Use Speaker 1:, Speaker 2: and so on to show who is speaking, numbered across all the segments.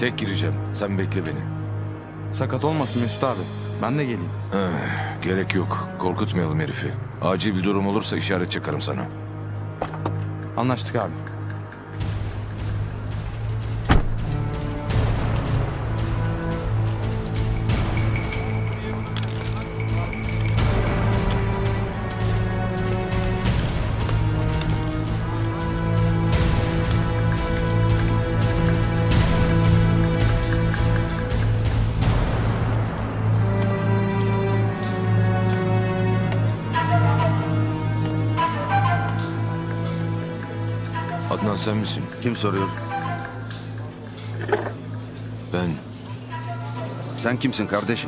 Speaker 1: Tek gireceğim. Sen bekle beni.
Speaker 2: Sakat olmasın Mesut abi. Ben de geleyim.
Speaker 1: Gerek yok. Korkutmayalım herifi. Acil bir durum olursa işaret çakarım sana.
Speaker 2: Anlaştık abi.
Speaker 1: Adnan sen misin?
Speaker 3: Kim soruyor?
Speaker 1: Ben
Speaker 3: Sen kimsin kardeşim?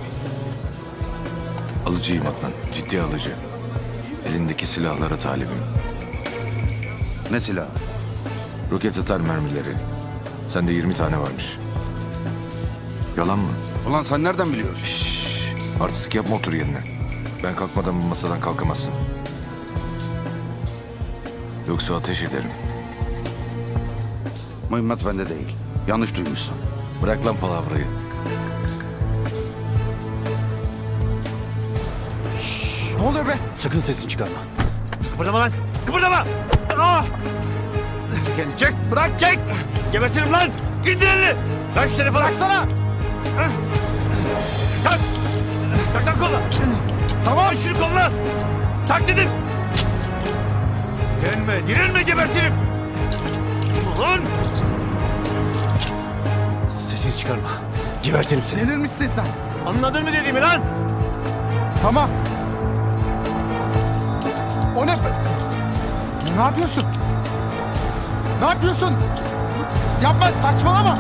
Speaker 1: alıcıyım Adnan. Ciddi alıcı. Elindeki silahlara talibim.
Speaker 3: Ne silahı?
Speaker 1: Roket atar mermileri. Sende 20 tane varmış. Yalan mı?
Speaker 3: Ulan sen nereden biliyorsun?
Speaker 1: Şşş. Artistik yapma, otur yerine. Ben kalkmadan bu masadan kalkamazsın. Yoksa ateş ederim.
Speaker 3: Mühimmat bende değil. Yanlış duymuşsun.
Speaker 1: Bırak lan palavrayı.
Speaker 2: Ne oluyor be?
Speaker 4: Sakın sesini çıkarma. Kıpırdama lan! Kıpırdama! Ah! Çek, çek! Bırak, çek! Gebertirim lan! İndir elini! Ver şu telefonu! Bıraksana! Tak! Tak tak koluna! Tamam! Şunu koluna! Tak dedim! Direnme, direnme gebertirim! Ulan! Sesini çıkarma. Gebertirim seni.
Speaker 2: Delirmişsin sen.
Speaker 4: Anladın mı dediğimi lan?
Speaker 2: Tamam. O ne? Ne yapıyorsun? Ne yapıyorsun? Yapma, saçmalama.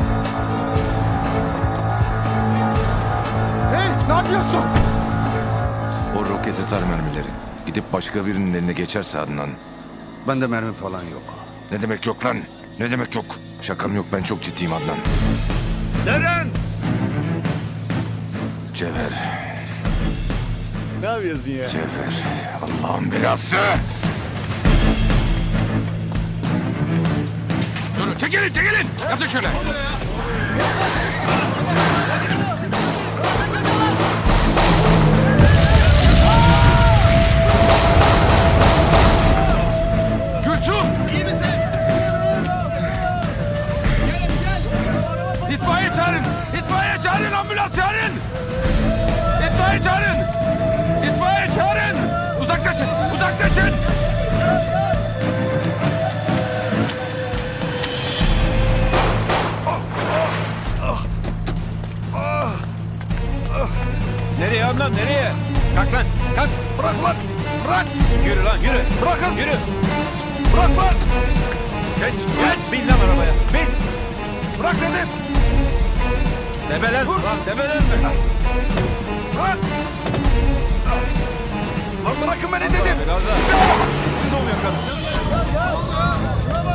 Speaker 2: Hey, ne yapıyorsun?
Speaker 1: O roket atar mermileri. Gidip başka birinin eline geçerse Adnan.
Speaker 3: Bende mermi falan yok.
Speaker 1: Ne demek yok lan? Ne demek yok? Şakam yok, ben çok ciddiyim Adnan.
Speaker 4: Neren?
Speaker 1: Cevher.
Speaker 4: Ne yapıyorsun ya?
Speaker 1: Cevher. Allah'ın belası. Durun, çekilin, çekilin. Yatın şöyle. Gülsüm. İyi misin? İtfaiye çağırın. İtfaiye çağırın, ambulans çağırın. İtfaiye çağırın. İtfaiye çağırın. Uzaklaşın, uzaklaşın.
Speaker 4: Nereye Adnan, nereye? Kalk lan, kalk.
Speaker 3: Bırak lan! Bırak!
Speaker 4: Yürü lan, yürü.
Speaker 3: Bırakın!
Speaker 4: Yürü.
Speaker 3: Bırak lan!
Speaker 4: Geç, geç. Bin lan arabaya, bin.
Speaker 3: Bırak dedim!
Speaker 4: Debelenme lan, debelenme.
Speaker 3: Bırak! Lan bırakın beni dedim!
Speaker 4: Biraz daha. Siz ol yakın.